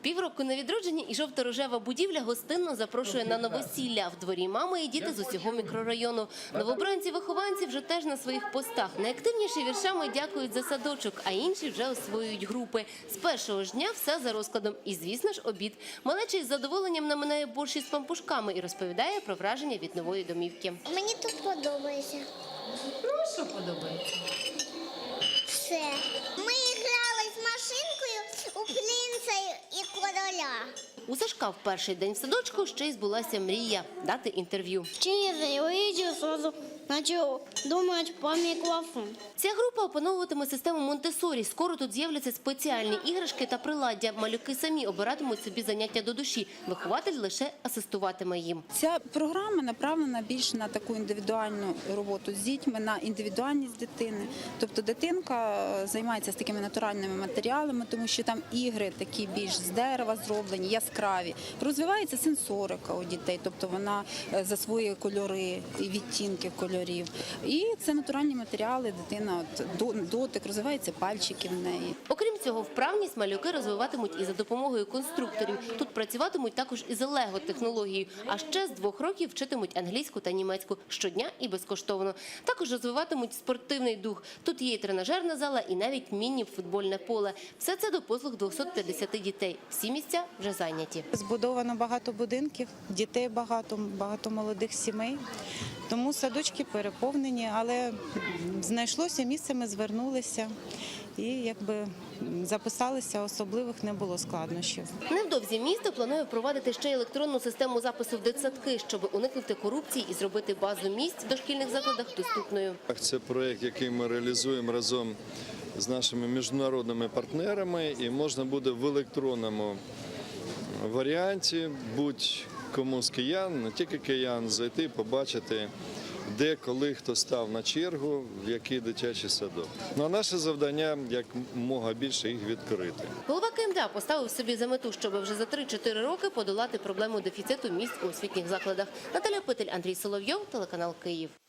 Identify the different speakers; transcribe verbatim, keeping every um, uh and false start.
Speaker 1: Півроку на відродження і жовто-рожева будівля гостинно запрошує на новосілля. В дворі мами і діти з усього мікрорайону. Новобранці-вихованці вже теж на своїх постах. Найактивніші віршами дякують за садочок, а інші вже освоюють групи. З першого ж дня все за розкладом. І, звісно ж, обід. Малеча із задоволенням наминає борщ із пампушками і розповідає про враження від нової домівки.
Speaker 2: Мені тут подобається.
Speaker 1: Ну, а що подобається?
Speaker 2: Все. Ми грали з машинкою у принца і короля.
Speaker 1: У Сашка в перший день в садочку ще й збулася мрія – дати інтерв'ю.
Speaker 2: Через я увидел, сразу начал думать по микрофону.
Speaker 1: Ця група опановуватиме систему Монтессорі. Скоро тут з'являться спеціальні іграшки та приладдя. Малюки самі обиратимуть собі заняття до душі. Вихователь лише асистуватиме їм.
Speaker 3: Ця програма направлена більше на таку індивідуальну роботу з дітьми, на індивідуальність дитини. Тобто дитинка займається з такими натуральними матеріалами, тому що там ігри такі більш з дерева зроблені, яскраві. Розвивається сенсорика у дітей, тобто вона засвоює кольори і відтінки кольорів. І це натуральні матеріали, дитина от, дотик, розвиваються пальчики в неї.
Speaker 1: Окрім цього, вправність малюки розвиватимуть і за допомогою конструкторів. Тут працюватимуть також із лего-технологією, а ще з двох років вчитимуть англійську та німецьку щодня і безкоштовно. Також розвиватимуть спортивний дух. Тут є і тренажерна зала, і навіть міні-футбольне поле. Все це до послуг двохсот п'ятдесят дітей. Всі місця вже зайняті.
Speaker 4: Збудовано багато будинків, дітей багато, багато молодих сімей. Тому садочки переповнені, але знайшлося місце, ми звернулися і якби записалися, особливих не було складнощів.
Speaker 1: Невдовзі місто планує впровадити ще й електронну систему запису в дитсадки, щоб уникнути корупції і зробити базу місць в дошкільних закладах доступною.
Speaker 5: Це проєкт, який ми реалізуємо разом з нашими міжнародними партнерами, і можна буде в електронному варіанті будь-кому з киян, не тільки киян, зайти, побачити, де, коли, хто став на чергу, в який дитячий садок. Ну, а наше завдання – якомога більше їх відкрити.
Speaker 1: Голова КМДА поставив собі за мету, щоб вже за три-чотири роки подолати проблему дефіциту місць у освітніх закладах. Наталя Питель, Андрій Соловйов, телеканал Київ.